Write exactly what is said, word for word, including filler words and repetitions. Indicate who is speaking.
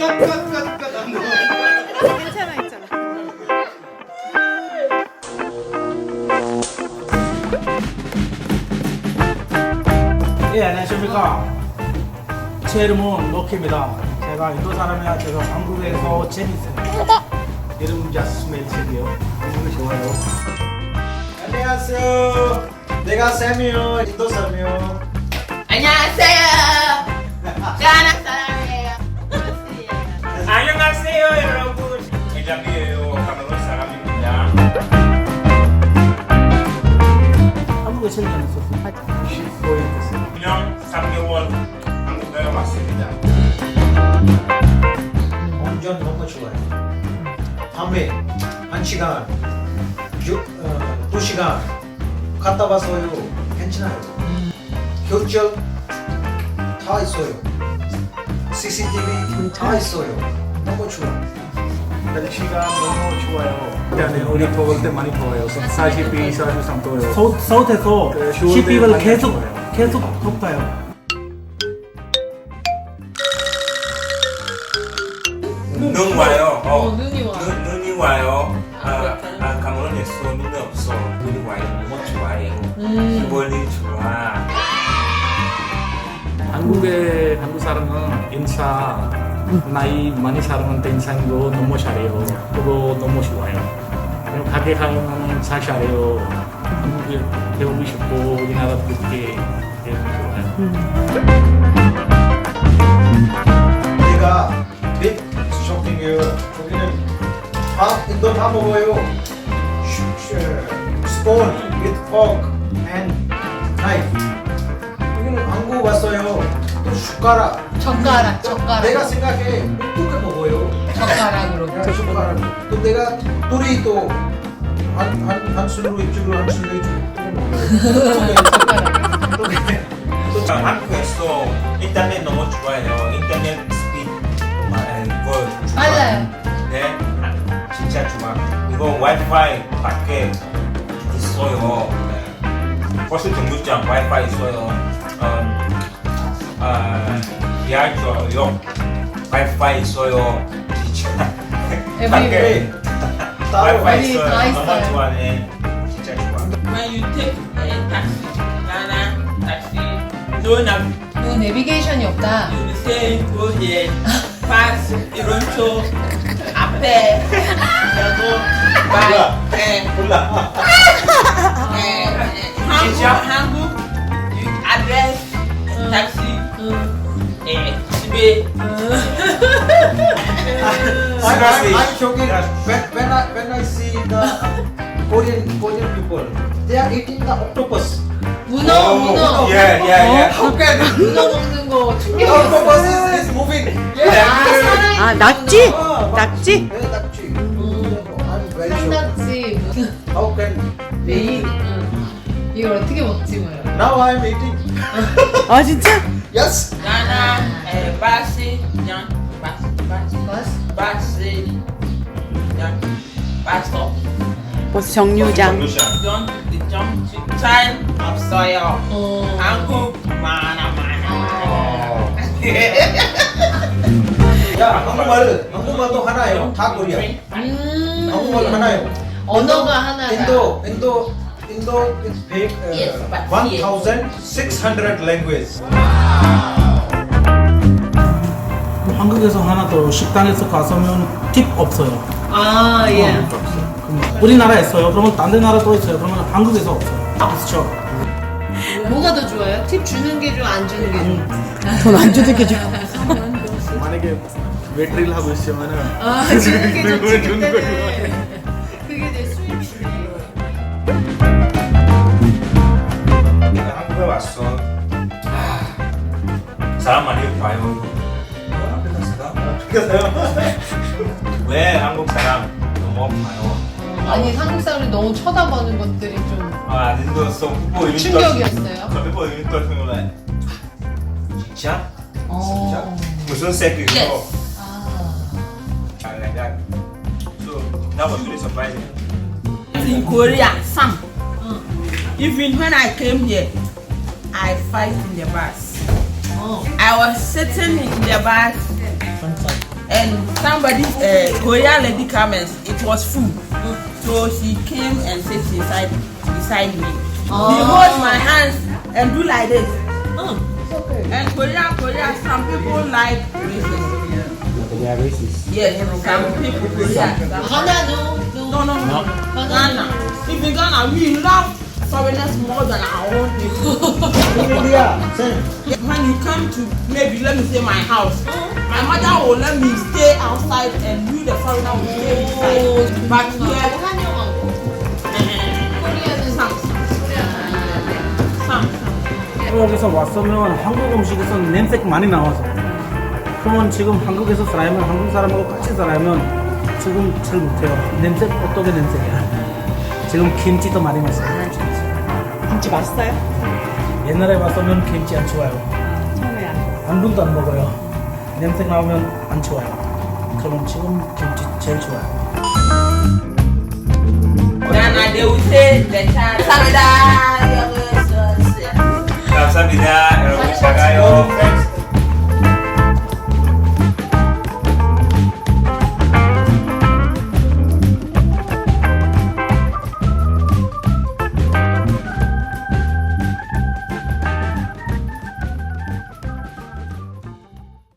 Speaker 1: 괜찮아 있잖아.
Speaker 2: 예, 안녕하십니까. 제 이름은 럭키입니다. 제가 인도 사람이라 제가 한국에서 재밌어요. 이름 자스멜이고요. 한국이 좋아요.
Speaker 3: 안녕하세요. 내가 샘이요. 인도 사람이요.
Speaker 4: 안녕하세요. 가나 사람이에요.
Speaker 5: 안녕하세요 여러분. 대장이에요. 카메론 사람입니다.
Speaker 2: 한국에 제일 재밌었어요. 십오 일 됐어요.
Speaker 5: 그냥 삼 개월 한국에 왔습니다.
Speaker 3: 운전 너무 좋아요. 밤에 한 시간, 유, 어, 두 시간 갔다 와서요. 괜찮아요. 교적 다 있어요. 씨씨티비 다 있어요. 너무 좋아.
Speaker 2: 날씨가 너무 좋아요. 일단은 우리 더울 때 많이 더워요. 사십이, 사십삼 도요. 서, 서울에서
Speaker 3: 네,
Speaker 2: 십이월 계속 계속 덥다요.
Speaker 5: 눈 와요. 어,
Speaker 4: 어, 눈이 와.
Speaker 5: 눈, 눈이 와요. 아, 아 카메론에서 눈이 없어. 눈이 와요. 너무 좋아요.
Speaker 4: 음.
Speaker 5: 기분이 좋아.
Speaker 6: 한국의 한국 사람은 인사 나이 많이 사람한테 인사도 너무 잘해요. 그거 너무 좋아요. 그리고 가게 가면 잘 잘해요. 한국에 배우고 싶고 우리나라 그렇게 좋아요.
Speaker 3: 내가 빅 쇼핑이에요. 거기는 밥 인도 다 먹어요. 스폰 with fork and knife. 여기는 한국 왔어요. 또 숟가락.
Speaker 4: 젓가락, 젓가락.
Speaker 3: 내가 생각해 어떻게 먹어요?
Speaker 4: 젓가락으로.
Speaker 3: 내가 숟가락. 또 내가 둘이 또한한 술로 이쪽으로 한 술로 이쪽으로 또 먹어요. 또
Speaker 5: 아, 한국에서 인터넷 너무 좋아요. 인터넷 스피드 아, 이거 좋아.
Speaker 4: 빨라요.
Speaker 5: 네, 아, 진짜 좋아. 이거 와이파이 밖에 있어요. 네. 버스 정류장 와이파이 있어요. 음, 아, 지하철역 와이파이 있어요. 진짜
Speaker 4: Everywhere.
Speaker 5: 밖에
Speaker 3: 따로
Speaker 5: 와이파이
Speaker 4: 어디
Speaker 5: 있어요.
Speaker 4: 다
Speaker 5: 너무
Speaker 4: 있어요.
Speaker 5: 좋아해. 진짜 좋아.
Speaker 7: When you take a taxi, Ghana taxi, no nav,
Speaker 4: 그 내비게이션이 없다.
Speaker 7: you will say go here, pass Ironcho, Ape, Yago, by eh,
Speaker 3: 몰라.
Speaker 7: eh, Hangu, Hangu, you address taxi, eh, Sibe.
Speaker 3: I, I, I'm joking. When, when I when I see the Korean Korean people, they are eating the octopus.
Speaker 4: 문어, 문어.
Speaker 5: Yeah, yeah, yeah.
Speaker 3: How can
Speaker 4: 문어 먹는 거
Speaker 3: the
Speaker 4: 충격이었어.
Speaker 3: octopus is, is moving?
Speaker 4: 아, 살아있는
Speaker 1: 아, 낙지?
Speaker 3: Ah,
Speaker 1: 낙지?
Speaker 3: 네, 낙지. I'm very sure.
Speaker 4: 산낙지.
Speaker 3: How can
Speaker 4: 메인. 응. 이걸 어떻게 먹지 뭐야.
Speaker 3: now I'm eating?
Speaker 1: 아 진짜?
Speaker 3: Yes.
Speaker 7: Ghana, eh, Basi, Yan, Basi, Basi,
Speaker 4: 버스?
Speaker 7: Basi, Yan, Pastor.
Speaker 1: 버스 정류장.
Speaker 7: Don't the jump to time of soil.
Speaker 4: 어.
Speaker 7: Hangu, mana, mana.
Speaker 3: 야, 한국말 한국말도 하나요. 다 코리아.
Speaker 4: 음.
Speaker 3: 한국말 하나요.
Speaker 4: 언어가 하나다.
Speaker 3: 인도 인도 인도 is big.
Speaker 7: Yes, but
Speaker 3: one
Speaker 7: here.
Speaker 3: thousand six hundred language.
Speaker 2: 한국에서 하나 더 식당에서 가서면 팁 없어요.
Speaker 4: 아, 예.
Speaker 2: 어, 없어요. 그럼 우리나라에 있어요. 그러면 다른 나라 또 있어요. 그러면 한국에서 없어요. 없죠.
Speaker 4: 뭐가 더 좋아요? 팁 주는 게 좋아, 안 주는 게 좋아?
Speaker 1: 돈 안 주는 게 좋아.
Speaker 6: 만약에 웨트를 하고 있으면은
Speaker 4: 아, 주는 게 좋지, 그때는. 그게 내 수입이지.
Speaker 5: 내가 한국에 왔어. 아, 사람 많이 봐요. 왜 한국 사람 너무 봐요?
Speaker 4: 아니, 한국 사람이 너무 쳐다보는 것들이 좀
Speaker 5: 아, 인도 서 후보 유니트
Speaker 4: 충격이었어요.
Speaker 5: 후보 유니트 생각나. 진짜?
Speaker 4: 어.
Speaker 5: 무슨 색이고?
Speaker 7: Yes.
Speaker 4: 아.
Speaker 5: 아, 내가 so that was really surprising.
Speaker 7: In Korea, some. Even when I came here, I fight in the bus.
Speaker 4: 어.
Speaker 7: I was sitting in the bus and somebody, uh, Korean lady came and it was full. So she came and sat beside, beside me. She hold my hands and do like this. And Korea, Korea, some people like racism.
Speaker 2: They are racist.
Speaker 7: Yes, some people, Korea. some-
Speaker 4: Ghana, no,
Speaker 7: No, no, no. Ghana. If in Ghana, we love foreigners more than our own people.
Speaker 3: In India, same.
Speaker 7: When you come to maybe let me say my house, my mother will let me stay outside and you the foreigner will stay inside. But here, some, some.
Speaker 2: 여기서 왔으면 한국 음식에서 냄새가 많이 나와서 그러면 지금 한국에서 살아야면 한국 사람하고 같이 살아야면 지금 잘 못해요. 냄새 어떻게 냄새야? 지금 김치도 많이 먹어요.
Speaker 1: 김치 맛있어요?
Speaker 2: 옛날에 왔으면 김치 안 좋아요.
Speaker 1: 처음에 안.
Speaker 2: 한 분도 안 먹어요. 냄새 나오면 안 좋아요. 그럼 지금 김치 제일 좋아요.
Speaker 7: Ghana, they will say the child.
Speaker 5: 감사합니다. 여러분 잘 가요.